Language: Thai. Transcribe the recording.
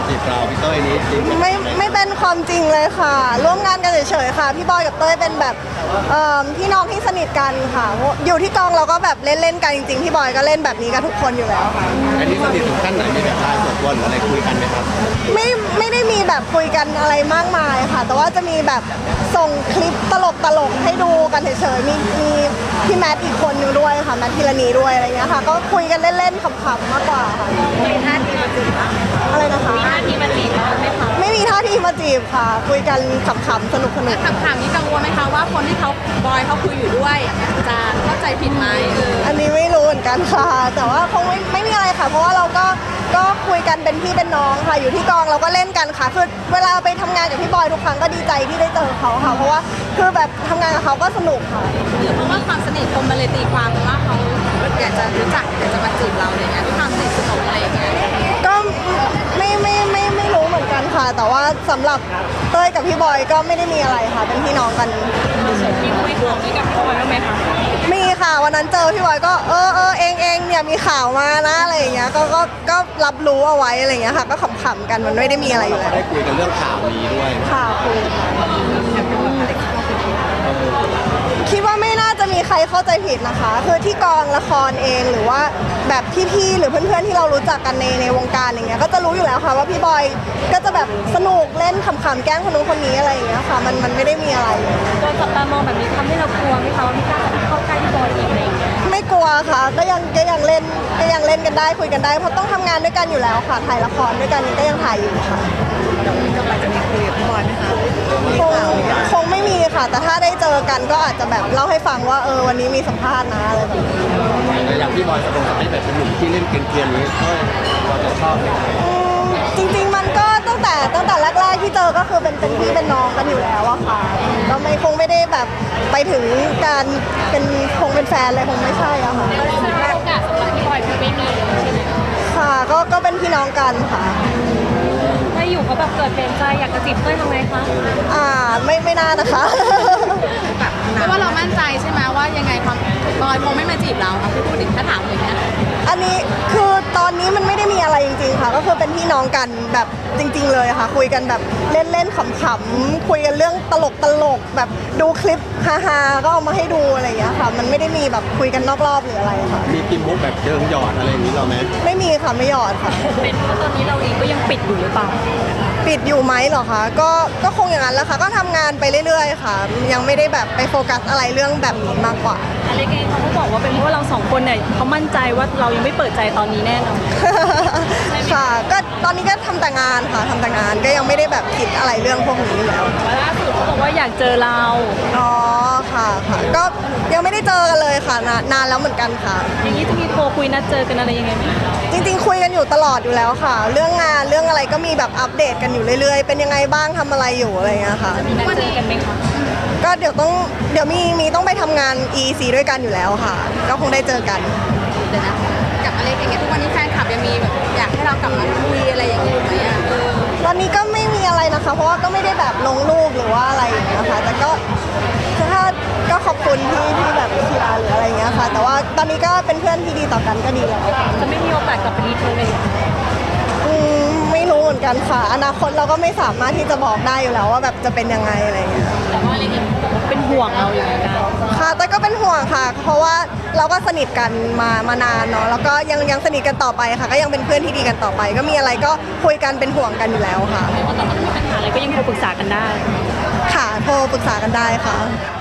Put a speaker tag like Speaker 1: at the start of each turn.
Speaker 1: จีบเราพี่เต้ยนี้จริงไหม
Speaker 2: ไม่เป็นความจริงเลยค่ะร่วมงานกันเฉยๆค่ะพี่บอยกับเต้ยเป็นแบบพี่น้องที่สนิทกันค่ะอยู่ที่กองเราก็แบบเล่นกันจริงๆพี่บอยก็เล่นแบบนี้กับทุกคนอยู่แล้วค่ะ
Speaker 1: อันนี้สนิทถึงขั้นไหนมีแบบไลน์ส่วนตัวหรืออะไรคุยกันไหมครับ
Speaker 2: ไม่ได้มีแบบคุยกันอะไรมากมายค่ะแต่ว่าจะมีแบบส่งคลิปตลกให้ดูกันเฉยๆมีพี่แมทอีกคนนึงด้วยค่ะแมทพิรณีด้วยอะไรเงี้ยค่ะก็คุยกันเล่นๆขำๆมากกว่าค่ะ
Speaker 3: มีท่าทีมาจีบปะ
Speaker 2: อะไรนะคะ
Speaker 3: มีท่าทีมาจีบไหมคะ
Speaker 2: ไม่มีท่าทีมาจีบค่ะ คุยกันขำๆสนุก
Speaker 3: ถามนี้กังวลไหมคะว่าคนที่เขาบอยเขาคุยอยู่ด้วยจะเข้าใจผิดไหม
Speaker 2: อันนี้ไม่รู้เหมือนกันค่ะแต่ว่าคงไม่มีอะไรค่ะเพราะว่าเราก็คุยกันเป็นพี่เป็นน้องค่ะอยู่ที่กองเราก็เล่นกันค่ะคือเวลาไปทำงานกับพี่บอยทุกครั้งก็ดีใจที่ได้เจอเขาค่ะเพราะว่าคือแบบทำงานกับเขาก็สนุกค่ะ
Speaker 3: หรือเพราะว่าความสนิทคนมาเลยตีความว่าเขาอยากจะรู้จักอยากจะมาจีบเราอะไรเงี้ยด้วยความสนิทสนมอะไรเงี้ย
Speaker 2: ก็ไม่รู้เหมือนกันค่ะแต่ว่าสำหรับเต้ยกับพี่บอยก็ไม่ได้มีอะไรค่ะเป็นพี่น้องกัน
Speaker 3: มีคุยของนี้กับพี่บอยบ้างไหมคะ
Speaker 2: มีค่ะวันนั้นเจอพี่บอยก็เองเนี่ยมีข่าวมานะอะไรอย่างเงี้ยก็รับรู้เอาไว้อะไรอย่างเงี้ยค่ะก็ขำๆกันมันไม่ได้มีอะไรอยู่แล้ว
Speaker 1: ได้คุยกันเรื่องข่าวนี้ด้วย
Speaker 2: ข่าวคุยคิดว่าไม่น่าจะมีใครเข้าใจผิดนะคะคือที่กองละครเองหรือว่าแบบพี่ๆหรือเพื่อนๆที่เรารู้จักกันในวงการอย่างเงี้ยก็จะรู้อยู่แล้วค่ะว่าพี่บอยก็จะแบบสนุกเล่นขำๆแกล้งคนนู้นคนนี้อะไรอย่างเงี้ยค่ะมันไม่ได้มีอะไร
Speaker 3: โดนจับตามองแบบนี้ทำให้เรากลัวไหมคะว่าไม่กล้าจะเข้าใกล้พี่บอยอีกอะไรอย่างเงี้ย
Speaker 2: ไม่กลัวค่ะก็ยังเล่นกันได้คุยกันได้เพราะต้องทำงานด้วยกันอยู่แล้วค่ะถ่ายละครด้วยกันก็ยังถ่ายอยู่ค่ะ
Speaker 3: จะไปจะมีคุยกับพี่บอยไหมคะ
Speaker 2: คงไม่มีค่ะแต่ถ้าได้เจอกันก็อาจจะแบบเล่าให้ฟังว่าวันนี้มีสัมภาษณ์นะอะไรแบบนี้
Speaker 1: อย่างพี่บอยจะตรงกับให้แบบเป็นหนุ่มที่เล่นเกรียนๆนี้ก็เราจะชอบไหม
Speaker 2: จริงๆมันก็ตั้งแต่แรกๆที่เจอก็คือเป็นพี่เป็นน้องกันอยู่แล้วอะค่ะก็คงไม่ได้แบบไปถึงการเป็นแฟนเลยคงไม่ใช่อะค่ะ
Speaker 3: โอกาสสำหรับพี่บอยคือไม่มีเลยใช่ไหม
Speaker 2: ค่ะก็เป็นพี่น้องกันค่ะ
Speaker 3: ถ้าอยู่เขาแบบเกิดเปลี่ยนใจอยากจะจีบเต้ยทำไงคะ
Speaker 2: ไม่น่านะคะ
Speaker 3: เพราะว่าเรามั่นใจใช่ไหมว่ายังไงความบอยคงไม่มาจีบเราค่ะพี่พูดถึงถ้าถามอย่างเงี้ย
Speaker 2: อันนี้คือตอนนี้มันไม่ได้มีอะไรจริงๆค่ะก็คือเป็นพี่น้องกันแบบจริงๆเลยค่ะคุยกันแบบเล่นๆขำๆคุยกันเรื่องตลกแบบดูคลิปฮาๆก็เอามาให้ดูอะไรอย่างเงี้ยค่ะมันไม่ได้มีแบบคุยกันนอกรอบหรืออะไรค่ะ
Speaker 1: มีกิมมุกแบบเชิงหยอดอะไรอย่างนี้เราไหม
Speaker 2: ไม่มีค่ะไม่หยอดค่ะ
Speaker 3: เป็นเพราะตอนนี้เราเองก็ยังปิดอยู่หรือเปล่า
Speaker 2: ปิดอยู่ไหมเหรอคะก็คงอย่างนั้นแหละค่ะก็ทำงานไปเรื่อยๆค่ะยังไม่ได้แบบไปโฟกัสอะไรเรื่องแบบนี้มากกว่า
Speaker 3: อะไรเองเขาก็บอกว่าเป็นเพราะว่าเราสองคนเนี่ยเขามั่นใจว่าเรายังไม่เปิดใจตอนนี้แน่นอน
Speaker 2: ค่ะก็ตอนนี้ก็ทำแต่งานค่ะทำแต่งานก็ยังไม่ได้แบบคิดอะไรเรื่องพวกนี้อยู่แล้ว
Speaker 3: ล่าสุดเขาบอกว่าอยากเจอเรา
Speaker 2: อ๋อค่ะก็ยังไม่ได้เจอกันเลยค่ะนานแล้วเหมือนกันค่ะ
Speaker 3: อย่างนี้จะมีโทรคุยนัดเจอกันอะไรยังไงไหม
Speaker 2: จริงๆคุยกันอยู่ตลอดอยู่แล้วค่ะเรื่องงานเรื่องอะไรก็มีแบบอัปเดตกันอยู่เรื่อยๆเป็นยังไงบ้างทำอะไรอยู่อะไรเงี้ยค่ะ
Speaker 3: จะมีนัดเจอกันไหมคะ
Speaker 2: ก็เดี๋ยวมีต้องไปทำงาน EC ด้วยกันอยู่แล้วค่ะก็คงได้เจอกัน
Speaker 3: เดี๋ยวนะกับอะไรอย่างเงี้ยทุกวันนี้แฟนคลับยังมีแบบอยากให้เรากลับมาคุยอะไรอย่างเงี้ยไหม
Speaker 2: ตอนนี้ก็ไม่มีอะไรนะคะเพราะว่าก็ไม่ได้แบบลงรูปหรือว่าอะไรอย่างเงี้ยค่ะแต่ก็ถ้าก็ขอบคุณที่แบบเชียร์หรืออะไรเงี้ยค่ะแต่ว่าตอนนี้ก็เป็นเพื่อนที่ดีต่อกันก็ดีแล้ว
Speaker 3: จะไม่มีโอกาสกลับไปรีเทิร์นเลย
Speaker 2: ไม่รู้เหมือนกันค่ะอนาคตเราก็ไม่สามารถที่จะบอกได้อยู่แล้วว่าแบบจะเป็นยังไงอะไรเงี้ย
Speaker 3: แต่ว่าอะไรเงี้ยเป็นห่วงเราอย่างเงี้ย
Speaker 2: ค่ะแต่ก็เป็นห่วงค่ะเพราะว่าเราก็สนิทกันมานานเนาะแล้วก็ยังสนิทกันต่อไปค่ะก็ยังเป็นเพื่อนที่ดีกันต่อไปก็มีอะไรก็คุยกันเป็นห่วงกันอยู่แล้วค่ะ
Speaker 3: ไม่ว่าตอนนี้มีปัญหาอะไรก็ยังโทรปรึกษากันได้
Speaker 2: ค่ะโทรปรึกษากันได้ค่ะ